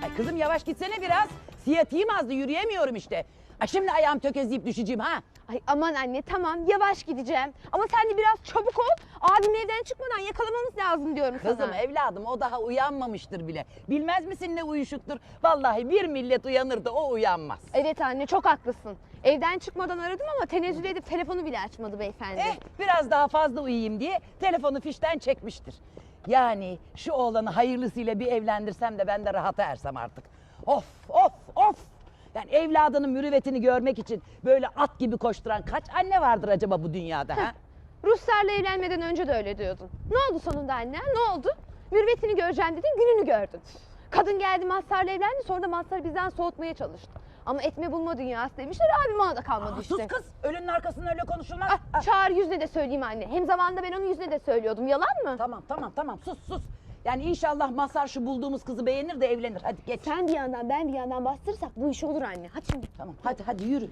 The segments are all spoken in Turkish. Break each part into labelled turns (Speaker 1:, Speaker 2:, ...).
Speaker 1: Ay kızım yavaş gitsene biraz. Siyatiğim azdı, yürüyemiyorum işte. Ay şimdi ayağım tökezleyip düşeceğim ha.
Speaker 2: Ay aman anne tamam yavaş gideceğim. Ama sen de biraz çabuk ol. Abim evden çıkmadan yakalamamız lazım diyorum
Speaker 1: Kızım
Speaker 2: sana.
Speaker 1: evladım o daha uyanmamıştır bile. Bilmez misin ne uyuşuktur? Vallahi bir millet uyanır da o uyanmaz.
Speaker 2: Evet anne çok haklısın. Evden çıkmadan aradım ama tenezzül edip telefonu bile açmadı beyefendi.
Speaker 1: Biraz daha fazla uyuyayım diye telefonu fişten çekmiştir. Yani şu oğlanı hayırlısıyla bir evlendirsem de ben de rahata ersem artık. Of of of. Yani evladının mürüvvetini görmek için böyle at gibi koşturan kaç anne vardır acaba bu dünyada ha?
Speaker 2: Ruslarla evlenmeden önce de öyle diyordun. Ne oldu sonunda anne? Ne oldu? Mürvetini göreceğim dedin, gününü gördün. Kadın geldi Mazhar'la evlendi, sonra da Mazhar'ı bizden soğutmaya çalıştı. Ama etme bulma dünyası demişler, abim ona da kalmadı işte.
Speaker 1: Sus kız, ölünün arkasından öyle konuşulmaz.
Speaker 2: Çağır yüzüne de söyleyeyim anne. Hem zamanında ben onun yüzüne de söylüyordum, yalan mı?
Speaker 1: Tamam sus. Yani inşallah Mazhar şu bulduğumuz kızı beğenir de evlenir. Hadi geç.
Speaker 2: Sen bir yandan ben bir yandan bastırırsak bu iş olur anne. Hadi şimdi.
Speaker 1: Tamam hadi yürü.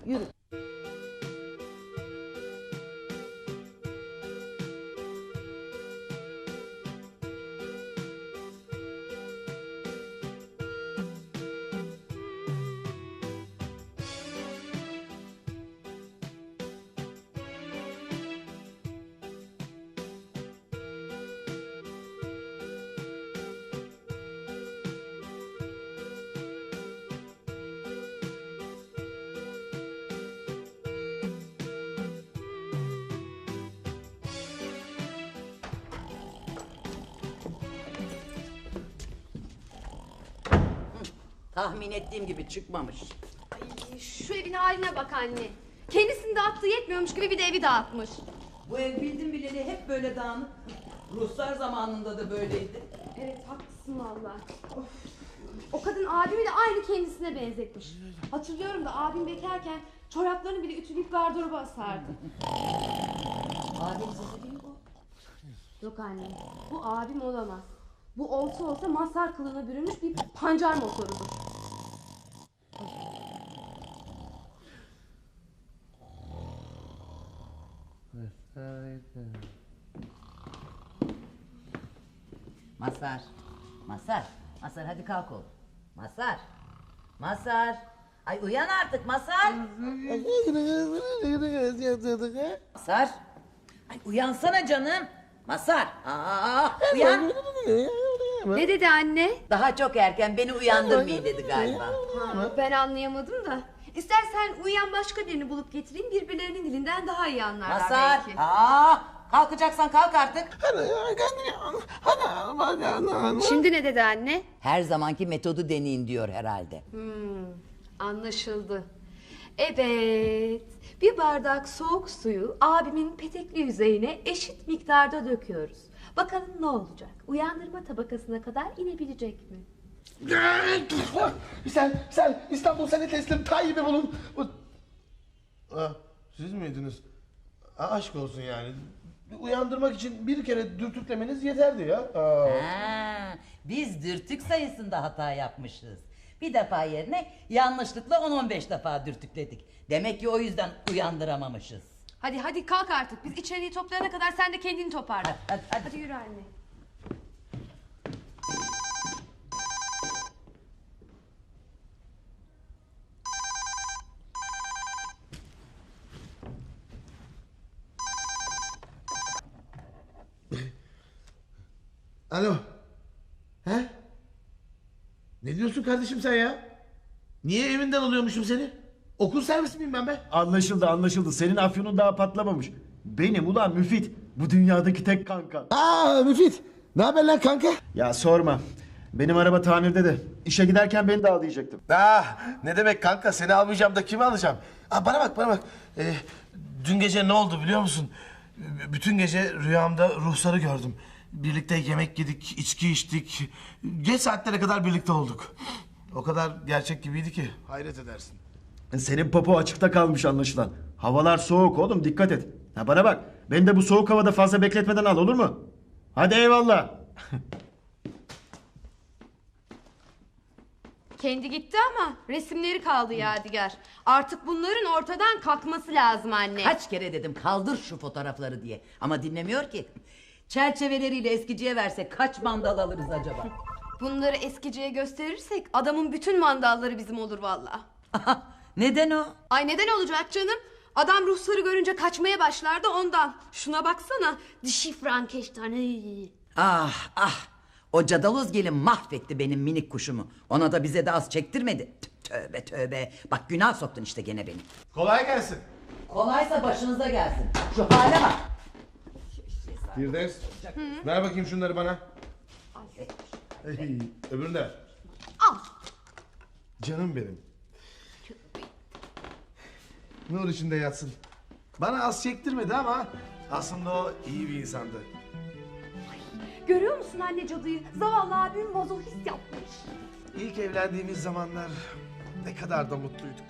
Speaker 1: Tahmin ettiğim gibi çıkmamış.
Speaker 2: Ay, şu evin haline bak anne. Kendisini dağıttığı yetmiyormuş gibi bir de evi dağıtmış.
Speaker 1: Bu ev bildim bileli hep böyle dağınık. Ruslar zamanında da böyleydi.
Speaker 2: Evet haklısın valla. O kadın abimi de aynı kendisine benzetmiş. Hatırlıyorum da abim bekarken çoraplarını bile ütüleyip gardıroba asardı.
Speaker 1: Adem sesi değil mi bu?
Speaker 2: Yok anne, bu abim olamaz. Bu olsa Mazhar kılığına bürünmüş bir pancar motorudur.
Speaker 1: Mazhar hadi kalk oğlum. Mazhar. Ay uyan artık Mazhar. Mazhar. Ay uyansana canım. Mazhar. Uyan.
Speaker 2: Ne dedi anne?
Speaker 1: Daha çok erken beni uyandırmayın dedi galiba.
Speaker 2: Ben anlayamadım da. İstersen uyuyan başka birini bulup getireyim, birbirlerinin dilinden daha iyi anlarlar
Speaker 1: Mazhar.
Speaker 2: belki.
Speaker 1: Kalkacaksan kalk artık.
Speaker 2: Şimdi ne dedi anne?
Speaker 1: Her zamanki metodu deneyin diyor herhalde.
Speaker 2: Anlaşıldı. Evet, bir bardak soğuk suyu abimin petekli yüzeyine eşit miktarda döküyoruz. Bakalım ne olacak? Uyandırma tabakasına kadar inebilecek mi?
Speaker 3: Sen İstanbul seni teslim Tayyip'i bulun. Siz miydiniz? Aşk olsun yani. Uyandırmak için bir kere dürtüklemeniz yeterdi ya.
Speaker 1: Biz dürtük sayısında hata yapmışız. Bir defa yerine yanlışlıkla 10-15 defa dürtükledik. Demek ki o yüzden uyandıramamışız.
Speaker 2: Hadi kalk artık. Biz içeriği toplayana kadar sen de kendini toparla.
Speaker 1: Hadi.
Speaker 2: Hadi yürü anne.
Speaker 3: Alo. He? Ne diyorsun kardeşim sen ya? Niye evinden alıyormuşum seni? Okul servisi miyim ben be?
Speaker 4: Anlaşıldı. Senin afyonun daha patlamamış. Benim ulan Müfit. Bu dünyadaki tek kanka.
Speaker 3: Müfit. Ne haber lan kanka?
Speaker 4: Ya sorma. Benim araba tamirde de. İşe giderken beni de al diyecektim.
Speaker 3: Ne demek kanka, seni almayacağım da kimi alacağım? Bana bak. Dün gece ne oldu biliyor musun? Bütün gece rüyamda ruhsarı gördüm. Birlikte yemek yedik, içki içtik. Geç saatlere kadar birlikte olduk. O kadar gerçek gibiydi ki hayret edersin.
Speaker 4: Senin popo açıkta kalmış anlaşılan. Havalar soğuk oğlum, dikkat et. Ha bana bak. Beni de bu soğuk havada fazla bekletmeden al, olur mu? Hadi eyvallah.
Speaker 2: Kendi gitti ama resimleri kaldı yadigar. Artık bunların ortadan kalkması lazım anne.
Speaker 1: Kaç kere dedim kaldır şu fotoğrafları diye. Ama dinlemiyor ki. Çerçeveleriyle eskiciye versek kaç mandal alırız acaba?
Speaker 2: Bunları eskiciye gösterirsek adamın bütün mandalları bizim olur vallahi.
Speaker 1: Neden o?
Speaker 2: Ay neden olacak canım? Adam ruhsarı görünce kaçmaya başlardı ondan. Şuna baksana. Dişi Frankenstein. Ay.
Speaker 1: Ah ah. O cadaloz gelin mahvetti benim minik kuşumu. Ona da bize de az çektirmedi. Tövbe tövbe. Bak günah soktun işte gene beni.
Speaker 3: Kolay gelsin.
Speaker 1: Kolaysa başınıza gelsin. Şu hale bak.
Speaker 3: Firdevs, ver bakayım şunları bana. Hey, öbürünü de ver.
Speaker 2: Al.
Speaker 3: Canım benim. Nur içinde yatsın. Bana az çektirmedi ama aslında o iyi bir insandı.
Speaker 2: Görüyor musun anne cadıyı? Zavallı abim mazohist yapmış.
Speaker 3: İlk evlendiğimiz zamanlar ne kadar da mutluyduk.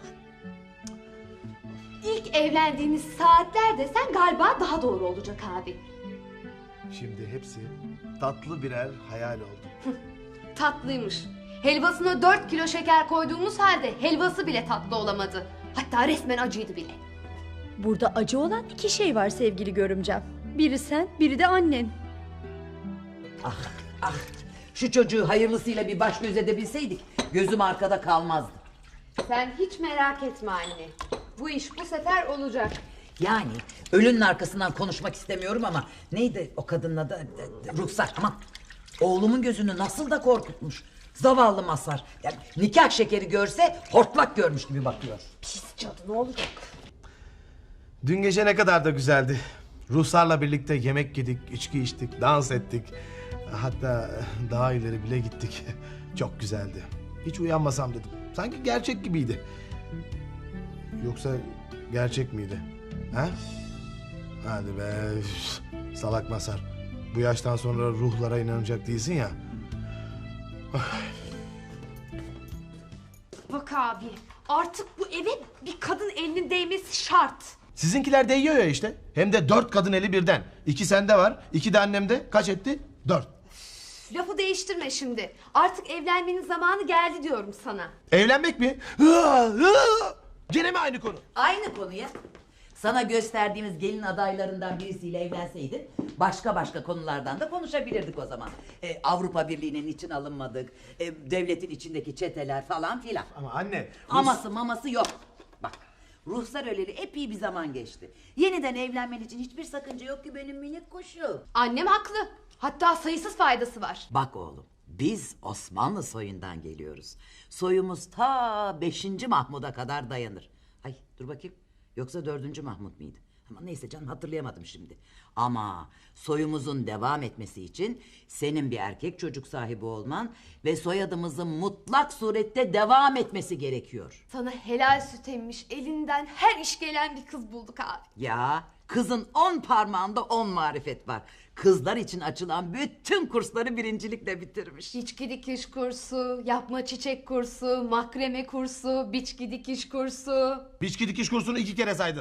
Speaker 2: İlk evlendiğimiz saatler desen galiba daha doğru olacak abi.
Speaker 3: Şimdi hepsi tatlı birer hayal oldu.
Speaker 2: Tatlıymış. Helvasına 4 kilo şeker koyduğumuz halde helvası bile tatlı olamadı. Hatta resmen acıydı bile.
Speaker 5: Burada acı olan iki şey var sevgili görümcem. Biri sen, biri de annen.
Speaker 1: Ah ah. Şu çocuğu hayırlısıyla bir baş göz edebilseydik gözüm arkada kalmazdı.
Speaker 2: Sen hiç merak etme anne. Bu iş bu sefer olacak.
Speaker 1: Yani ölünün arkasından konuşmak istemiyorum ama neydi o kadının adı? Ruhsar, aman. Oğlumun gözünü nasıl da korkutmuş. Zavallı Mazhar. Yani nikah şekeri görse hortlak görmüş gibi bakıyor.
Speaker 2: Pis cadı ne olacak?
Speaker 3: Dün gece ne kadar da güzeldi. Ruhsarla birlikte yemek yedik, içki içtik, dans ettik. Hatta daha ileri bile gittik. Çok güzeldi. Hiç uyanmasam dedim. Sanki gerçek gibiydi. Yoksa gerçek miydi? Ha? Hadi be. Üf, salak Mazhar. Bu yaştan sonra ruhlara inanacak değilsin ya.
Speaker 2: Bak abi artık bu eve bir kadın elinin değmesi şart.
Speaker 3: Sizinkiler değiyor ya işte. Hem de 4 kadın eli birden. 2 sende var, 2 de annemde. Kaç etti? 4.
Speaker 2: Lafı değiştirme şimdi. Artık evlenmenin zamanı geldi diyorum sana.
Speaker 3: Evlenmek mi? Gene mi aynı konu?
Speaker 1: Aynı konuya. Sana gösterdiğimiz gelin adaylarından birisiyle evlenseydin başka konulardan da konuşabilirdik o zaman. Avrupa Birliği'nin için alınmadık, devletin içindeki çeteler falan filan.
Speaker 3: Ama anne...
Speaker 1: Aması maması yok. Bak ruhsar öleli epey bir zaman geçti. Yeniden evlenmen için hiçbir sakınca yok ki benim minik kuşum.
Speaker 2: Annem haklı. Hatta sayısız faydası var.
Speaker 1: Bak oğlum biz Osmanlı soyundan geliyoruz. Soyumuz ta 5. Mahmud'a kadar dayanır. Ay dur bakayım. Yoksa 4. Mahmud muydu? Ama neyse canım hatırlayamadım şimdi. Ama soyumuzun devam etmesi için senin bir erkek çocuk sahibi olman ve soyadımızın mutlak surette devam etmesi gerekiyor.
Speaker 2: Sana helal süt emmiş elinden her iş gelen bir kız bulduk abi.
Speaker 1: Ya kızın 10 parmağında 10 marifet var. Kızlar için açılan bütün kursları birincilikle bitirmiş.
Speaker 2: İçki dikiş kursu, yapma çiçek kursu, makreme kursu, biçki dikiş kursu.
Speaker 3: Biçki dikiş kursunu 2 kere saydın.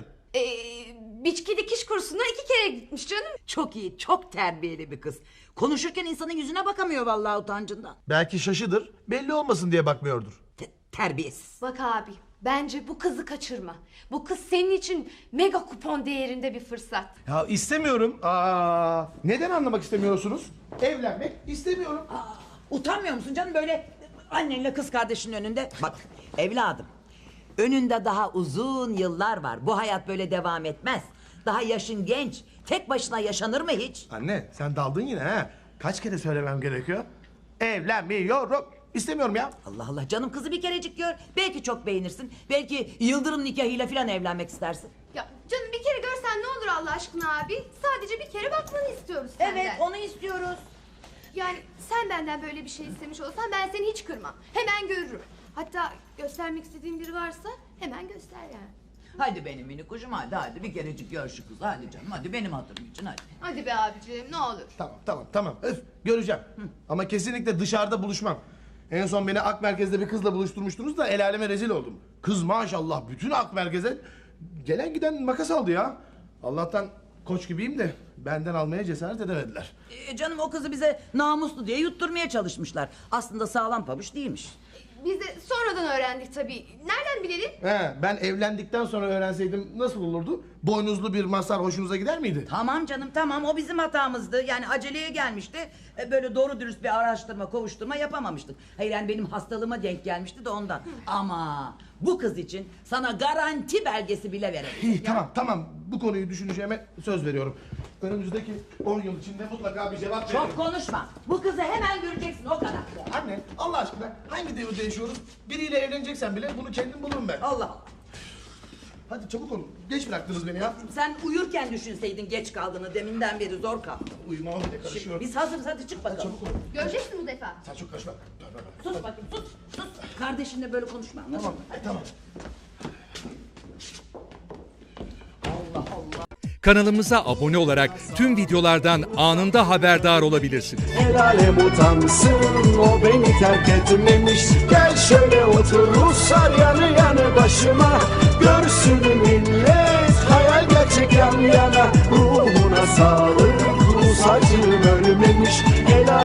Speaker 2: Biçki dikiş kursuna 2 kere gitmiş canım.
Speaker 1: Çok iyi, çok terbiyeli bir kız. Konuşurken insanın yüzüne bakamıyor vallahi utancından.
Speaker 3: Belki şaşıdır, belli olmasın diye bakmıyordur.
Speaker 1: Terbiyesiz.
Speaker 2: Bak abi bence bu kızı kaçırma. Bu kız senin için mega kupon değerinde bir fırsat.
Speaker 3: Ya istemiyorum. Neden anlamak istemiyorsunuz? Evlenmek istemiyorum.
Speaker 1: Utanmıyor musun canım böyle annenle kız kardeşinin önünde? Bak evladım, önünde daha uzun yıllar var. Bu hayat böyle devam etmez. Daha yaşın genç. Tek başına yaşanır mı hiç?
Speaker 3: Anne sen daldın yine ha. Kaç kere söylemem gerekiyor? Evlenmiyorum. İstemiyorum ya.
Speaker 1: Allah Allah canım kızı bir kerecik gör. Belki çok beğenirsin. Belki yıldırım nikahıyla falan evlenmek istersin.
Speaker 2: Ya canım bir kere görsen ne olur Allah aşkına abi. Sadece bir kere bakmanı istiyoruz senden.
Speaker 1: Evet onu istiyoruz.
Speaker 2: Yani sen benden böyle bir şey istemiş olsan ben seni hiç kırmam. Hemen görürüm. Hatta göstermek istediğin biri varsa hemen göster yani.
Speaker 1: Hadi benim minik kuşum hadi bir kerecik gör şu kızı hadi canım hadi benim hatırım için hadi.
Speaker 2: Hadi be abiciğim ne olur.
Speaker 3: Tamam. Öf, göreceğim. Ama kesinlikle dışarıda buluşmam. En son beni Ak Merkez'de bir kızla buluşturmuştunuz da el aleme rezil oldum. Kız maşallah bütün Ak Merkez'e gelen giden makas aldı ya. Allah'tan koç gibiyim de benden almaya cesaret edemediler.
Speaker 1: Canım o kızı bize namuslu diye yutturmaya çalışmışlar. Aslında sağlam pabuç değilmiş.
Speaker 6: Biz de sonradan öğrendik tabii. Nereden bilelim?
Speaker 3: He, ben evlendikten sonra öğrenseydim nasıl olurdu? Boynuzlu bir masar hoşunuza gider miydi?
Speaker 1: Tamam canım tamam, o bizim hatamızdı. Yani aceleye gelmişti. Böyle doğru dürüst bir araştırma kovuşturma yapamamıştık. Hayır yani benim hastalığıma denk gelmişti de ondan. Ama bu kız için sana garanti belgesi bile verelim.
Speaker 3: İyi, tamam. Bu konuyu düşüneceğime söz veriyorum. Önümüzdeki 10 yıl içinde mutlaka bir cevap veririm.
Speaker 1: Çok konuşma. Bu kızı hemen göreceksin, o kadar.
Speaker 3: Anne, Allah aşkına hangi devirde yaşıyoruz? Biriyle evleneceksen bile bunu kendim bulurum ben.
Speaker 1: Allah Allah.
Speaker 3: Hadi çabuk olun. Geç bıraktınız beni ya.
Speaker 1: Sen uyurken düşünseydin geç kaldığını, deminden beri zor kalktım.
Speaker 3: Uyumama bile karışıyor.
Speaker 1: Biz hazırız, hadi çık bakalım.
Speaker 3: Çabuk olun.
Speaker 6: Göreceksin bu defa.
Speaker 3: Sen çok karışma.
Speaker 1: Sus bakayım, sus. Kardeşinle böyle konuşma, anladın mı?
Speaker 3: Tamam.
Speaker 7: Kanalımıza abone olarak tüm videolardan anında haberdar olabilirsiniz.
Speaker 8: El alem utansın, o beni terk etmemiş. Gel şöyle otur Ruslar yanı yanı başıma. Görsün millet, hayal gerçek yan yana. Ruhuna sağlık, Rus acım ölmemiş.